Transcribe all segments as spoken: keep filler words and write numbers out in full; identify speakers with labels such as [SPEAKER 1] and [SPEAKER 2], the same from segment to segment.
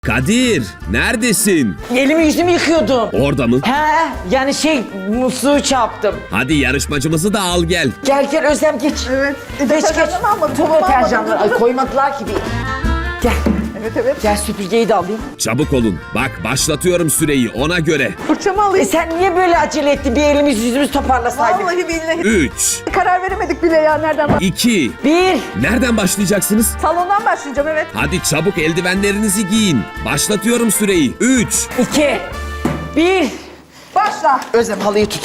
[SPEAKER 1] Kadir, neredesin?
[SPEAKER 2] Elimi yüzümü yıkıyordum.
[SPEAKER 1] Orada mı?
[SPEAKER 2] He, yani şey musluğu çarptım.
[SPEAKER 1] Hadi yarışmacımızı da al gel.
[SPEAKER 2] Gel gel Özlem geç.
[SPEAKER 3] Evet.
[SPEAKER 2] Geç geç.
[SPEAKER 3] Deterjanını almadım,
[SPEAKER 2] Tüm
[SPEAKER 3] tamam,
[SPEAKER 2] deterjanları.
[SPEAKER 3] almadım.
[SPEAKER 2] Ay koymadılar ki bir. Gel.
[SPEAKER 3] Evet evet.
[SPEAKER 2] Gel süpürgeyi de alayım.
[SPEAKER 1] Çabuk olun. Bak başlatıyorum süreyi ona göre.
[SPEAKER 3] Fırçamı
[SPEAKER 2] E
[SPEAKER 3] alayım.
[SPEAKER 2] sen niye böyle acele ettin? Bir elimiz yüzümüz toparlasaydık.
[SPEAKER 3] Vallahi billahi.
[SPEAKER 1] üç,
[SPEAKER 3] Karar veremedik bile ya nereden bak.
[SPEAKER 1] iki,
[SPEAKER 2] Bir.
[SPEAKER 1] nereden başlayacaksınız?
[SPEAKER 3] Salondan başlayacağım evet.
[SPEAKER 1] Hadi çabuk eldivenlerinizi giyin. Başlatıyorum süreyi. üç,
[SPEAKER 2] iki. Bir.
[SPEAKER 3] Başla.
[SPEAKER 2] Özlem halıyı tut.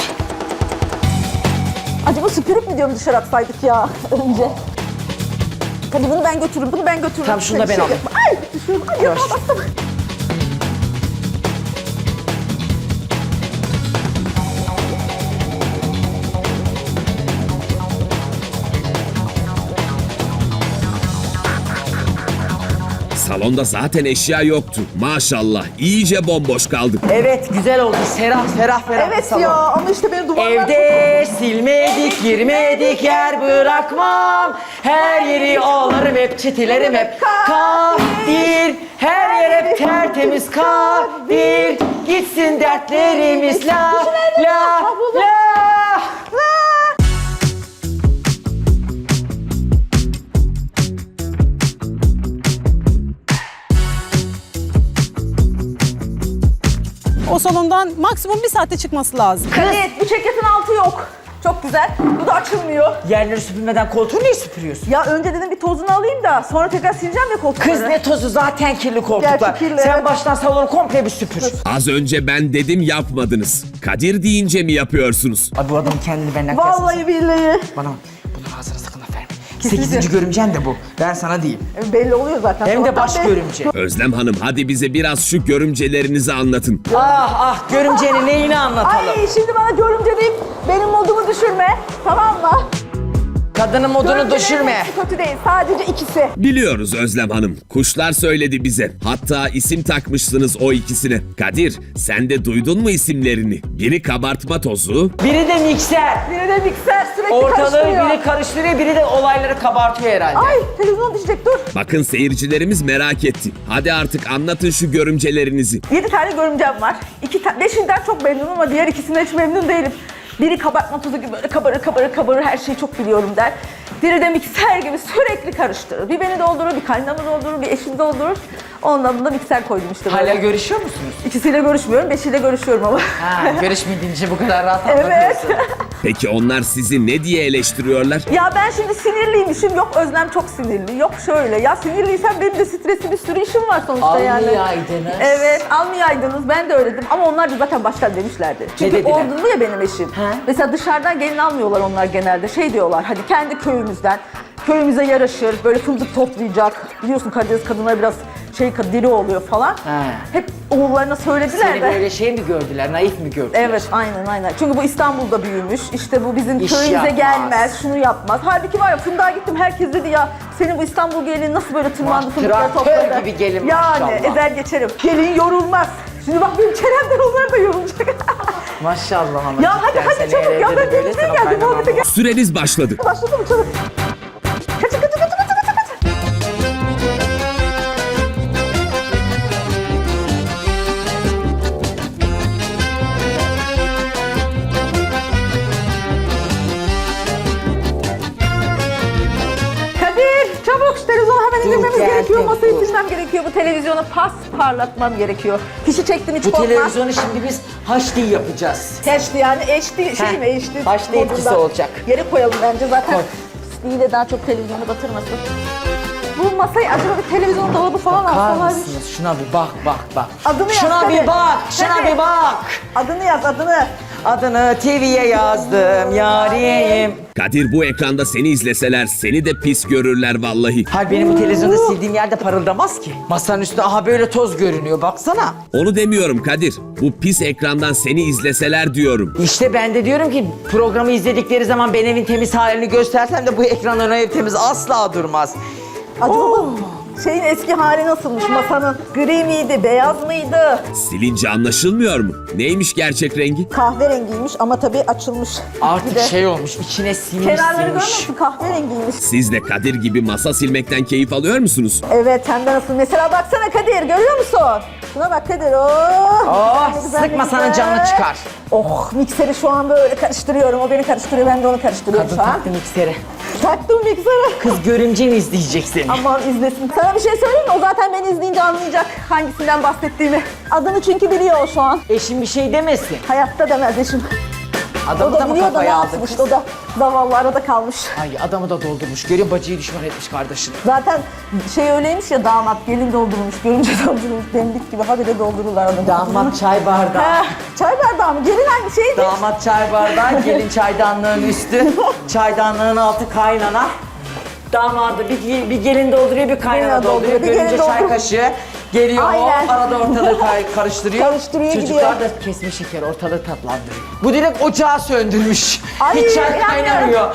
[SPEAKER 3] Acaba süpürüp mi diyorum dışarı atsaydık ya önce. Hadi bunu ben götürürüm, bunu ben götürürüm.
[SPEAKER 2] Tamam, şunu da
[SPEAKER 3] Sen
[SPEAKER 2] ben
[SPEAKER 3] şey
[SPEAKER 2] alayım.
[SPEAKER 3] yapma. Ay düşüyorum. Ay
[SPEAKER 2] Yavaş.
[SPEAKER 3] yatağa bastım.
[SPEAKER 1] Salonda zaten eşya yoktu. Maşallah iyice bomboş kaldık.
[SPEAKER 2] Evet güzel oldu. Serah ferah ferah bir
[SPEAKER 3] Evet
[SPEAKER 2] salon.
[SPEAKER 3] ya ama işte benim duvarlar...
[SPEAKER 2] Evde silmedik, girmedik yer bırakmam. Her yeri alırım hep, çitilerim hep. Kadir, her yer hep tertemiz Kadir. Gitsin dertlerimiz la la la.
[SPEAKER 4] O salondan maksimum bir saatte çıkması lazım.
[SPEAKER 3] Kadir bu ceketin altı yok. Çok güzel. Bu da açılmıyor.
[SPEAKER 2] Yerleri süpürmeden koltuğu niye süpürüyorsun?
[SPEAKER 3] Ya önce dedim bir tozunu alayım da sonra tekrar sileceğim ya koltukları.
[SPEAKER 2] Kız ne tozu, zaten kirli koltuklar.
[SPEAKER 3] Gerçi kirli,
[SPEAKER 2] Sen
[SPEAKER 3] evet.
[SPEAKER 2] baştan salonu komple bir süpür.
[SPEAKER 1] Az önce ben dedim yapmadınız. Kadir deyince mi yapıyorsunuz?
[SPEAKER 2] Abi bu adamın kendini benden kıyaslasın.
[SPEAKER 3] Vallahi billahi.
[SPEAKER 2] Bana bunu ağzına sakın laf verme.
[SPEAKER 3] Kesinlikle.
[SPEAKER 2] Sekizinci görümcen de bu. Ben sana diyeyim.
[SPEAKER 3] E, Belli oluyor zaten.
[SPEAKER 2] Hem de
[SPEAKER 3] Sabahtan
[SPEAKER 2] baş
[SPEAKER 3] beri.
[SPEAKER 2] görümce.
[SPEAKER 1] Özlem Hanım hadi bize biraz şu görümcelerinizi anlatın.
[SPEAKER 2] Ah ah görümcenin neyini anlatalım.
[SPEAKER 3] Ay şimdi bana görümce deyip benim modumu düşürme. Tamam mı?
[SPEAKER 2] Kadının modunu
[SPEAKER 3] Görümcelerin
[SPEAKER 2] düşürme.
[SPEAKER 3] hepsi kötü değil. Sadece ikisi.
[SPEAKER 1] Biliyoruz Özlem Hanım. Kuşlar söyledi bize. Hatta isim takmışsınız o ikisine. Kadir sen de duydun mu isimlerini? Biri kabartma tozu,
[SPEAKER 2] Biri de mikser.
[SPEAKER 3] Biri de mikser sürekli
[SPEAKER 2] Ortalığı
[SPEAKER 3] karıştırıyor.
[SPEAKER 2] biri karıştırıyor, biri de olayları kabartıyor herhalde.
[SPEAKER 3] Ay televizyon düşecek dur.
[SPEAKER 1] bakın seyircilerimiz merak etti. Hadi artık anlatın şu görümcelerinizi.
[SPEAKER 3] Yedi tane görümcem var. İki ta- Beşinden çok memnunum ama diğer ikisinden hiç memnun değilim. Biri kabartma tozu gibi böyle kabarır kabarır kabarır her şeyi çok biliyorum der. Biri de mikser gibi sürekli karıştırır. Bir beni doldurur, bir kaynamı doldurur, bir eşimi doldurur. Ondan da mikser koydum işte böyle.
[SPEAKER 2] Hala görüşüyor musunuz?
[SPEAKER 3] İkisiyle görüşmüyorum, beşiyle görüşüyorum ama.
[SPEAKER 2] Ha, görüşmediğince bu kadar rahat
[SPEAKER 3] Evet.
[SPEAKER 2] anlatıyorsun.
[SPEAKER 1] Peki onlar sizi ne diye eleştiriyorlar?
[SPEAKER 3] Ya ben şimdi sinirliymişim, yok Özlem çok sinirli, yok şöyle. Ya sinirliysem benim de stresli bir sürü işim var sonuçta yani.
[SPEAKER 2] Almayaydınız.
[SPEAKER 3] Evet, almayaydınız. Ben de öyle dedim. Ama onlar da zaten baştan demişlerdi. Çünkü
[SPEAKER 2] dediler?
[SPEAKER 3] ordulu ya benim eşim.
[SPEAKER 2] He.
[SPEAKER 3] Mesela dışarıdan gelin almıyorlar onlar genelde. Şey diyorlar, hadi kendi köyümüzden, köyümüze yaraşır, böyle fındık toplayacak. Biliyorsun Karadeniz kadınları biraz şey diri oluyor falan.
[SPEAKER 2] He.
[SPEAKER 3] Hep oğullarına söylediler
[SPEAKER 2] Seni
[SPEAKER 3] de.
[SPEAKER 2] böyle şey mi gördüler, naif mi gördüler?
[SPEAKER 3] Evet, aynen aynen. Çünkü bu İstanbul'da büyümüş. İşte bu bizim
[SPEAKER 2] İş
[SPEAKER 3] köyümüze
[SPEAKER 2] yapmaz.
[SPEAKER 3] gelmez, şunu yapmaz. Halbuki var ya Fındık'a gittim, herkes dedi ya senin bu İstanbul gelini nasıl böyle tırmandı
[SPEAKER 2] Vah,
[SPEAKER 3] fındıkları
[SPEAKER 2] traktör
[SPEAKER 3] topladı.
[SPEAKER 2] gibi gelin
[SPEAKER 3] Yani
[SPEAKER 2] maşallah.
[SPEAKER 3] ezer geçerim. Gelin yorulmaz. Şimdi bak benim çenemden onlar da yorulacak.
[SPEAKER 2] Maşallah ama
[SPEAKER 3] Ya hadi
[SPEAKER 2] cidden
[SPEAKER 3] hadi
[SPEAKER 2] seni
[SPEAKER 3] çabuk ya
[SPEAKER 2] evde
[SPEAKER 3] ben
[SPEAKER 2] de böyle
[SPEAKER 3] denizden
[SPEAKER 2] sana
[SPEAKER 3] geldim.
[SPEAKER 2] kaynanam
[SPEAKER 3] Muhabbete gel.
[SPEAKER 1] Süreniz başladı.
[SPEAKER 3] Başladı mı çabuk? Kaçın kaçın kaçın kaçın kaçın kaçın. Kadir çabuk şu televizyonu hemen
[SPEAKER 2] Dur,
[SPEAKER 3] indirmemiz
[SPEAKER 2] geldim,
[SPEAKER 3] gerekiyor. Masayı
[SPEAKER 2] dur.
[SPEAKER 3] silmem gerekiyor. Bu televizyonu pas parlatmam gerekiyor. Fişi çektim hiç
[SPEAKER 2] Bu
[SPEAKER 3] korkma.
[SPEAKER 2] televizyonu şimdi biz H D yapacağız.
[SPEAKER 3] H D yani H D şey
[SPEAKER 2] Heh,
[SPEAKER 3] mi H D?
[SPEAKER 2] H D etkisi
[SPEAKER 3] modunda.
[SPEAKER 2] olacak.
[SPEAKER 3] Yere koyalım bence zaten.
[SPEAKER 2] Koy.
[SPEAKER 3] Pisliği de daha çok televizyonu batırmasın. Bu masayı acaba bir televizyon dolabı falan
[SPEAKER 2] Bakar
[SPEAKER 3] alsalar.
[SPEAKER 2] mısınız? Şuna bir bak bak bak.
[SPEAKER 3] Adını yaz,
[SPEAKER 2] Şuna
[SPEAKER 3] hadi.
[SPEAKER 2] bir bak, şuna
[SPEAKER 3] Hadi.
[SPEAKER 2] bir bak.
[SPEAKER 3] Adını yaz adını.
[SPEAKER 2] Adını T V'ye yazdım yarim.
[SPEAKER 1] Kadir bu ekranda seni izleseler seni de pis görürler vallahi.
[SPEAKER 2] Hayır benim bu televizyonda sildiğim yerde parıldamaz ki. Masanın üstünde aha böyle toz görünüyor baksana.
[SPEAKER 1] Onu demiyorum Kadir. Bu pis ekrandan seni izleseler diyorum.
[SPEAKER 2] İşte ben de diyorum ki programı izledikleri zaman ben evin temiz halini göstersem de bu ekranların ev temiz asla durmaz.
[SPEAKER 3] Acaba
[SPEAKER 2] Oo.
[SPEAKER 3] şeyin eski hali nasılmış masanın? Gri miydi, beyaz mıydı?
[SPEAKER 1] Silince anlaşılmıyor mu? Neymiş gerçek rengi?
[SPEAKER 3] Kahverengiymiş ama tabii açılmış.
[SPEAKER 2] Artık
[SPEAKER 3] Bir de
[SPEAKER 2] şey olmuş, içine sinmiş
[SPEAKER 3] kenarları görmüyor
[SPEAKER 2] sinmiş.
[SPEAKER 3] musun? Kahverengiymiş.
[SPEAKER 1] Siz de Kadir gibi masa silmekten keyif alıyor musunuz?
[SPEAKER 3] Evet, hem de nasıl? Mesela baksana Kadir, görüyor musun? Şuna bak Kadir. Oh,
[SPEAKER 2] Oh,
[SPEAKER 3] ne güzel, ne
[SPEAKER 2] sıkma sana
[SPEAKER 3] güzel.
[SPEAKER 2] canını çıkar.
[SPEAKER 3] Oh, mikseri şu an böyle karıştırıyorum. O beni karıştırıyor, ben de onu karıştırıyorum
[SPEAKER 2] Kadın
[SPEAKER 3] şu an.
[SPEAKER 2] taktı mikseri.
[SPEAKER 3] Taktım mikseri.
[SPEAKER 2] Kız görümce mi izleyecek seni?
[SPEAKER 3] Aman izlesin. Sana bir şey söyleyeyim mi? O zaten beni izleyince anlayacak hangisinden bahsettiğimi. Adını çünkü biliyor o şu an.
[SPEAKER 2] Eşin bir şey demesin.
[SPEAKER 3] Hayatta demez eşim. O
[SPEAKER 2] Adamı
[SPEAKER 3] da
[SPEAKER 2] da mı
[SPEAKER 3] biliyor da ne
[SPEAKER 2] kafaya aldı
[SPEAKER 3] yapmış?
[SPEAKER 2] kız?
[SPEAKER 3] O da zavallı arada kalmış.
[SPEAKER 2] Ay adamı da doldurmuş. Görüyor bacıyı düşman etmiş kardeşini.
[SPEAKER 3] Zaten şey öyleymiş ya, damat gelin doldurmuş, görünce doldurmuş. Demlik gibi habire doldururlar adamı.
[SPEAKER 2] Damat çay bardağı.
[SPEAKER 3] Heh, çay bardağı mı? Gelin hangi şeydi?
[SPEAKER 2] Damat çay bardağı, gelin çaydanlığın üstü, çaydanlığın altı kaynana. Damadı bir, bir gelin dolduruyor, bir kaynana
[SPEAKER 3] Kaynana
[SPEAKER 2] dolduruyor.
[SPEAKER 3] dolduruyor, bir
[SPEAKER 2] Görünce
[SPEAKER 3] gelin
[SPEAKER 2] çay
[SPEAKER 3] dolduruyor.
[SPEAKER 2] kaşığı geliyor,
[SPEAKER 3] Aynen.
[SPEAKER 2] o arada ortalığı kay- karıştırıyor.
[SPEAKER 3] Karıştırıyor,
[SPEAKER 2] Çocuklar
[SPEAKER 3] gidiyor.
[SPEAKER 2] da kesme şeker ortalığı tatlandırıyor. Bu direkt ocağı söndürmüş.
[SPEAKER 3] Ay,
[SPEAKER 2] Hiç çay
[SPEAKER 3] yandı.
[SPEAKER 2] kaynamıyor.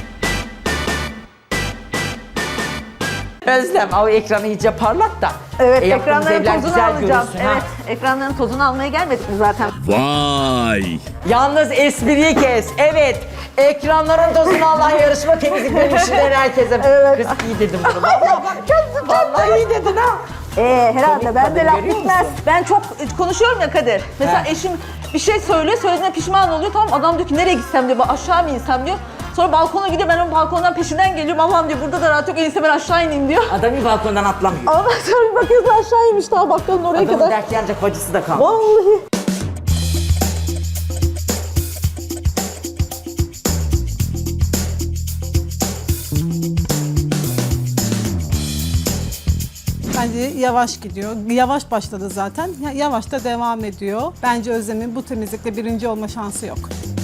[SPEAKER 2] Özlem, o ekranı iyice parlat da.
[SPEAKER 3] Evet,
[SPEAKER 2] e, yaptığımız
[SPEAKER 3] ekranların
[SPEAKER 2] evler
[SPEAKER 3] tozunu
[SPEAKER 2] güzel
[SPEAKER 3] alacağım.
[SPEAKER 2] görünsün, ha.
[SPEAKER 3] Evet, ekranların tozunu almaya gelmedik mi zaten?
[SPEAKER 1] Vay!
[SPEAKER 2] Yalnız espriyi kes. Evet. Ekranların tozunu Allah yarışma temizlik benim işinden herkese.
[SPEAKER 3] Evet.
[SPEAKER 2] Kız iyi dedim bunu. Vallahi bak. Vallahi iyi dedin ha.
[SPEAKER 3] Ee, herhalde
[SPEAKER 2] Komik
[SPEAKER 3] ben de
[SPEAKER 2] kadın,
[SPEAKER 3] laf
[SPEAKER 2] görüyor
[SPEAKER 3] bitmez.
[SPEAKER 2] musun?
[SPEAKER 3] Ben çok e, konuşuyorum ya Kadir. Mesela
[SPEAKER 2] He.
[SPEAKER 3] eşim bir şey söylüyor, söylediğine pişman oluyor. Tamam, adam diyor ki nereye gitsem diyor, aşağı mı insem diyor. Sonra balkona gidiyor, ben onun balkondan peşinden geliyorum. Allah'ım diyor, burada da rahat yok, en iyisi ben aşağı ineyim diyor.
[SPEAKER 2] Adam bir balkondan atlamıyor.
[SPEAKER 3] Ondan sonra bir bakıyorsun aşağıymış, daha bakkalın oraya
[SPEAKER 2] Adamın
[SPEAKER 3] kadar.
[SPEAKER 2] dert yanacak bacısı da kaldı.
[SPEAKER 3] Vallahi.
[SPEAKER 4] Bence yavaş gidiyor. Yavaş başladı zaten. Ya- Yavaş da devam ediyor. Bence Özlem'in bu temizlikte birinci olma şansı yok.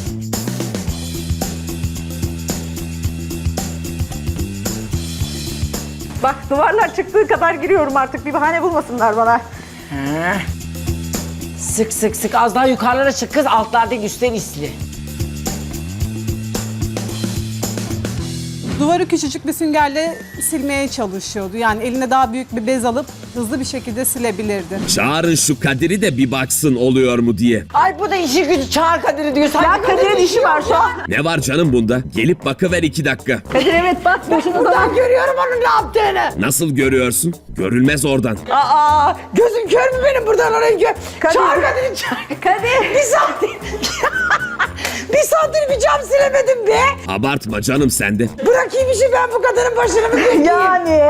[SPEAKER 3] Bak, duvarlar çıktığı kadar giriyorum artık, bir bahane bulmasınlar bana.
[SPEAKER 2] He. Sık sık sık az daha yukarılara çık kız, altlardaki üstler isli.
[SPEAKER 4] Duvarı küçücük bir süngerle silmeye çalışıyordu. Yani eline daha büyük bir bez alıp hızlı bir şekilde silebilirdi.
[SPEAKER 1] Çağırın şu Kadir'i de bir baksın oluyor mu diye.
[SPEAKER 2] Ay bu da işi gücü çağır Kadir'i diyor.
[SPEAKER 3] Ya
[SPEAKER 2] Sanki
[SPEAKER 3] Kadir'in işi var şu an.
[SPEAKER 1] Ne var canım bunda? Gelip bakıver iki dakika.
[SPEAKER 3] Kadir evet bak, boşuna
[SPEAKER 2] Buradan
[SPEAKER 3] zaman.
[SPEAKER 2] görüyorum onun ne yaptığını.
[SPEAKER 1] Nasıl görüyorsun? Görülmez oradan.
[SPEAKER 2] Aa, gözüm kör mü benim buradan oraya gör.
[SPEAKER 3] Kadir.
[SPEAKER 2] Çağır Kadir'i çağır.
[SPEAKER 3] Kadir.
[SPEAKER 2] Bir saattir. bir saattir bir cam silemedim be.
[SPEAKER 1] Abartma canım sen de.
[SPEAKER 2] Bırakayım işi ben bu kadının başına mı bekleyeyim?
[SPEAKER 3] Yani.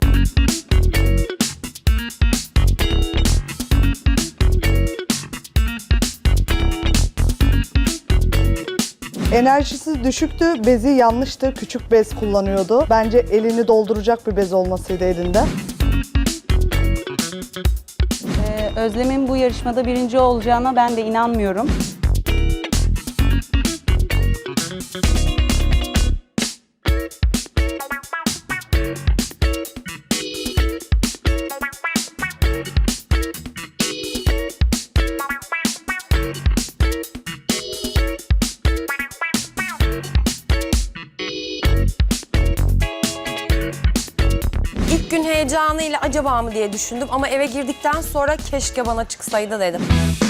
[SPEAKER 5] Enerjisi düşüktü, bezi yanlıştı, küçük bez kullanıyordu. Bence elini dolduracak bir bez olmasıydı elinde.
[SPEAKER 6] Ee, Özlem'in bu yarışmada birinci olacağına ben de inanmıyorum.
[SPEAKER 7] İlk gün heyecanıyla acaba mı diye düşündüm ama eve girdikten sonra keşke bana çıksaydı dedim.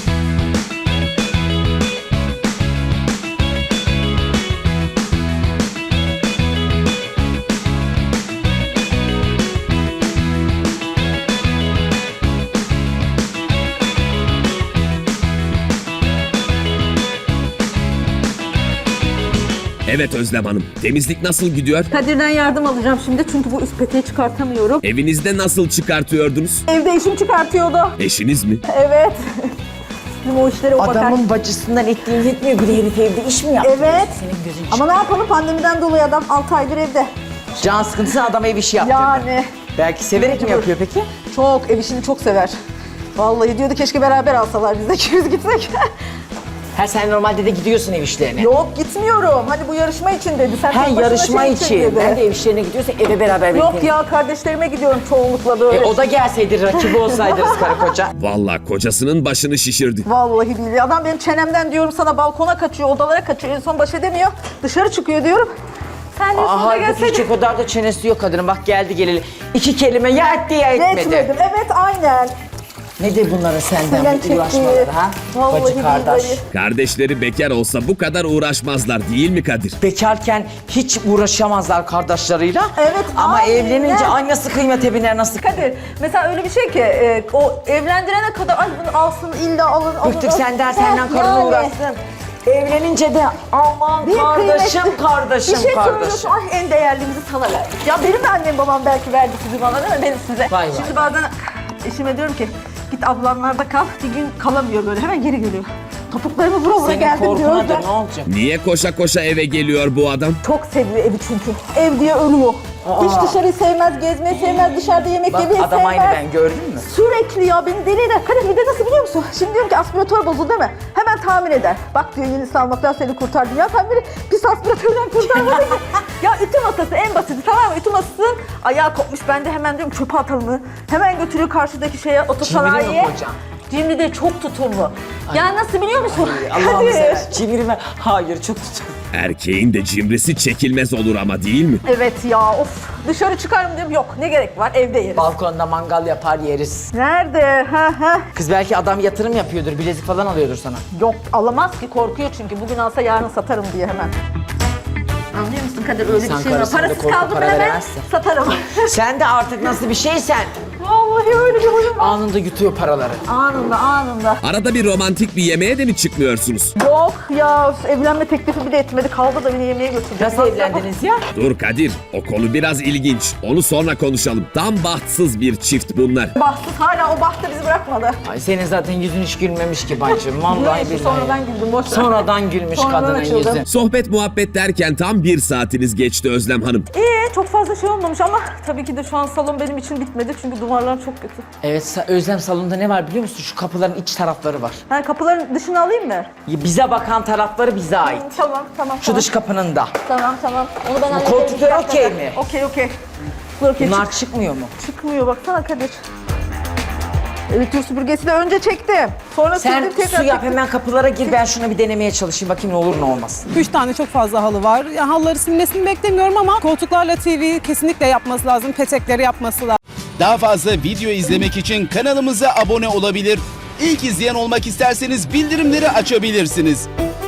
[SPEAKER 1] Evet Özlem Hanım. Temizlik nasıl gidiyor?
[SPEAKER 3] Kadir'den yardım alacağım şimdi çünkü bu üst peteği çıkartamıyorum.
[SPEAKER 1] Evinizde nasıl çıkartıyordunuz?
[SPEAKER 3] Evde eşim çıkartıyordu.
[SPEAKER 1] Eşiniz mi?
[SPEAKER 3] Evet. Bizim o işlere o bakar.
[SPEAKER 2] Adamın bacısından ettiğin yetmiyor bir de herif evde iş mi yaptı?
[SPEAKER 3] Evet.
[SPEAKER 2] Senin gözün
[SPEAKER 3] Ama ne yapalım, pandemiden dolayı adam altı aydır evde.
[SPEAKER 2] Can sıkıntısına adam ev işi yaptırdı.
[SPEAKER 3] Yani.
[SPEAKER 2] Belki severek mi yapıyor peki?
[SPEAKER 3] Çok, ev işini çok sever. Vallahi diyordu keşke beraber alsalar biz de ikimiz gitsek.
[SPEAKER 2] Ha sen normalde de gidiyorsun ev işlerine.
[SPEAKER 3] Yok gitmiyorum. Hani bu yarışma için dedi. Sen
[SPEAKER 2] Ha
[SPEAKER 3] tek başına
[SPEAKER 2] yarışma
[SPEAKER 3] şey
[SPEAKER 2] için.
[SPEAKER 3] dedi.
[SPEAKER 2] Ben de ev işlerine gidiyorsa eve beraber
[SPEAKER 3] Yok
[SPEAKER 2] birlikte.
[SPEAKER 3] ya, kardeşlerime gidiyorum çoğunlukla böyle.
[SPEAKER 2] E, o da gelseydi rakibi olsaydınız karı koca.
[SPEAKER 1] Vallahi kocasının başını şişirdi.
[SPEAKER 3] Vallahi billahi. Adam benim çenemden diyorum sana balkona kaçıyor, odalara kaçıyor. En son baş edemiyor. Dışarı çıkıyor diyorum. Sen de
[SPEAKER 2] Aa,
[SPEAKER 3] sonra
[SPEAKER 2] halbuki
[SPEAKER 3] gelseydin.
[SPEAKER 2] hiç o kadar da çenesi yok kadının. Bak geldi geleli. İki kelime ya etti ya etmedi.
[SPEAKER 3] Etmedim. Evet aynen.
[SPEAKER 2] Nedir bunların senden
[SPEAKER 3] Senden
[SPEAKER 2] bu uğraşmaları
[SPEAKER 3] çektiği.
[SPEAKER 2] ha?
[SPEAKER 3] Vallahi
[SPEAKER 2] Bacı kardeş.
[SPEAKER 3] billahi.
[SPEAKER 1] Kardeşleri bekar olsa bu kadar uğraşmazlar değil mi Kadir?
[SPEAKER 2] Bekarken hiç uğraşamazlar kardeşleriyle.
[SPEAKER 3] Evet,
[SPEAKER 2] Ama
[SPEAKER 3] aynen.
[SPEAKER 2] evlenince ay nasıl kıymete biner nasıl.
[SPEAKER 3] Kadir mesela öyle bir şey ki e, o evlendirene kadar ay bunu alsın illa alın alın.
[SPEAKER 2] Bıktık
[SPEAKER 3] alın.
[SPEAKER 2] senden senden
[SPEAKER 3] Heh,
[SPEAKER 2] karınla
[SPEAKER 3] yani.
[SPEAKER 2] uğraşsın. Evlenince de aman
[SPEAKER 3] Bir
[SPEAKER 2] kardeşim
[SPEAKER 3] kıymetli-
[SPEAKER 2] kardeşim
[SPEAKER 3] Bir şey
[SPEAKER 2] kardeşim.
[SPEAKER 3] söylüyorsun, ay en değerlimizi sana verdik. Ya benim de annem babam belki verdi sizi bana değil mi? Benim size.
[SPEAKER 2] Vay vay.
[SPEAKER 3] Şimdi bazen eşime diyorum ki git ablamlarda kal. Bir gün kalamıyor böyle hemen geri geliyor. Topuklarımı vura vura
[SPEAKER 2] Senin
[SPEAKER 3] geldim diyor.
[SPEAKER 2] korkunadır ne olacak?
[SPEAKER 1] Niye koşa koşa eve geliyor bu adam?
[SPEAKER 3] Çok seviyor evi çünkü. Ev diye ölüyor. Hiç dışarıyı sevmez, gezmeyi sevmez, dışarıda yemek
[SPEAKER 2] Bak
[SPEAKER 3] yemeyi
[SPEAKER 2] adam aynı
[SPEAKER 3] sevmez.
[SPEAKER 2] ben gördün mü?
[SPEAKER 3] Sürekli ya beni deli eder. Kadir bir de nasıl biliyor musun? Şimdi diyorum ki aspiratör bozuldu değil mi? Hemen tamir eder. Bak diyor yenisi almaktan seni kurtardım. Ya sen beni pis aspiratörden kurtarmadın ki. Ya ütü masası en basiti tamam mı? Ütü masasının ayağı kopmuş. Ben de hemen diyorum çöpe atalım mı? Hemen götürüyor karşıdaki şeye otosanayiye.
[SPEAKER 2] Cimri mi hocam?
[SPEAKER 3] Cimri de çok tutumlu. Ya nasıl biliyor musun?
[SPEAKER 2] Allah'ım
[SPEAKER 3] Kadir.
[SPEAKER 2] sever. Cimri mi? Hayır çok tutuyor.
[SPEAKER 1] Erkeğin de cimrisi çekilmez olur ama değil mi?
[SPEAKER 3] Evet ya of. Dışarı çıkarım diyorum. Yok ne gerek var evde yeriz.
[SPEAKER 2] Balkonda mangal yapar yeriz.
[SPEAKER 3] Nerede? Ha ha.
[SPEAKER 2] Kız belki adam yatırım yapıyordur, bilezik falan alıyordur sana.
[SPEAKER 3] Yok alamaz ki korkuyor çünkü bugün alsa yarın satarım diye hemen. Anlıyor musun Kadir öyle
[SPEAKER 2] İnsan
[SPEAKER 3] bir şey var.
[SPEAKER 2] karısına da
[SPEAKER 3] Parasız
[SPEAKER 2] korku
[SPEAKER 3] kaldım
[SPEAKER 2] para
[SPEAKER 3] hemen
[SPEAKER 2] veremezse.
[SPEAKER 3] satarım.
[SPEAKER 2] Sen de artık nasıl bir şeysen
[SPEAKER 3] Vallahi öyle bir huyum var.
[SPEAKER 2] anında yutuyor paraları.
[SPEAKER 3] Anında anında.
[SPEAKER 1] Arada bir romantik bir yemeğe de mi çıkmıyorsunuz?
[SPEAKER 3] Yok ya evlenme teklifi bile etmedi kaldı da beni yemeğe götürdü.
[SPEAKER 2] Nasıl evlendiniz ya?
[SPEAKER 1] Dur Kadir, o konu biraz ilginç. Onu sonra konuşalım. Tam bahtsız bir çift bunlar.
[SPEAKER 3] Bahtsız hala o bahtı bizi bırakmadı.
[SPEAKER 2] Ay senin zaten yüzün hiç gülmemiş ki bacım. Vallahi
[SPEAKER 3] Neyse,
[SPEAKER 2] billahi.
[SPEAKER 3] sonradan güldüm boş ver.
[SPEAKER 2] Sonradan gülmüş
[SPEAKER 3] Sonradan
[SPEAKER 2] kadının
[SPEAKER 3] açıldım.
[SPEAKER 2] yüzü.
[SPEAKER 1] Sohbet muhabbet derken tam bir saatiniz geçti Özlem Hanım.
[SPEAKER 3] İyi çok fazla şey olmamış ama tabii ki de şu an salon benim için bitmedi çünkü duvarlar çok kötü.
[SPEAKER 2] Evet Sa- Özlem salonda ne var biliyor musun? Şu kapıların iç tarafları var.
[SPEAKER 3] Ha, kapıların dışını alayım mı?
[SPEAKER 2] Ya bize bakan tarafları bize ait.
[SPEAKER 3] Tamam tamam.
[SPEAKER 2] Şu
[SPEAKER 3] tamam.
[SPEAKER 2] dış kapının da.
[SPEAKER 3] Tamam tamam. Onu ben hallederim.
[SPEAKER 2] koltuklar
[SPEAKER 3] Bir dakika.
[SPEAKER 2] okey mi?
[SPEAKER 3] Okey okey. Dur, okey,
[SPEAKER 2] Bunlar
[SPEAKER 3] çık-
[SPEAKER 2] çıkmıyor mu?
[SPEAKER 3] çıkmıyor baksana Kadir. Evet tür süpürgesi de önce çektim. Sonra
[SPEAKER 2] Sen
[SPEAKER 3] sildim tekrar
[SPEAKER 2] su yap
[SPEAKER 3] çektim.
[SPEAKER 2] hemen kapılara gir ben şunu bir denemeye çalışayım bakayım ne olur ne olmaz.
[SPEAKER 4] Üç tane çok fazla halı var. Ya, halıları silmesini beklemiyorum ama koltuklarla T V kesinlikle yapması lazım. Petekleri yapması lazım.
[SPEAKER 8] Daha fazla video izlemek için kanalımıza abone olabilir. İlk izleyen olmak isterseniz bildirimleri açabilirsiniz.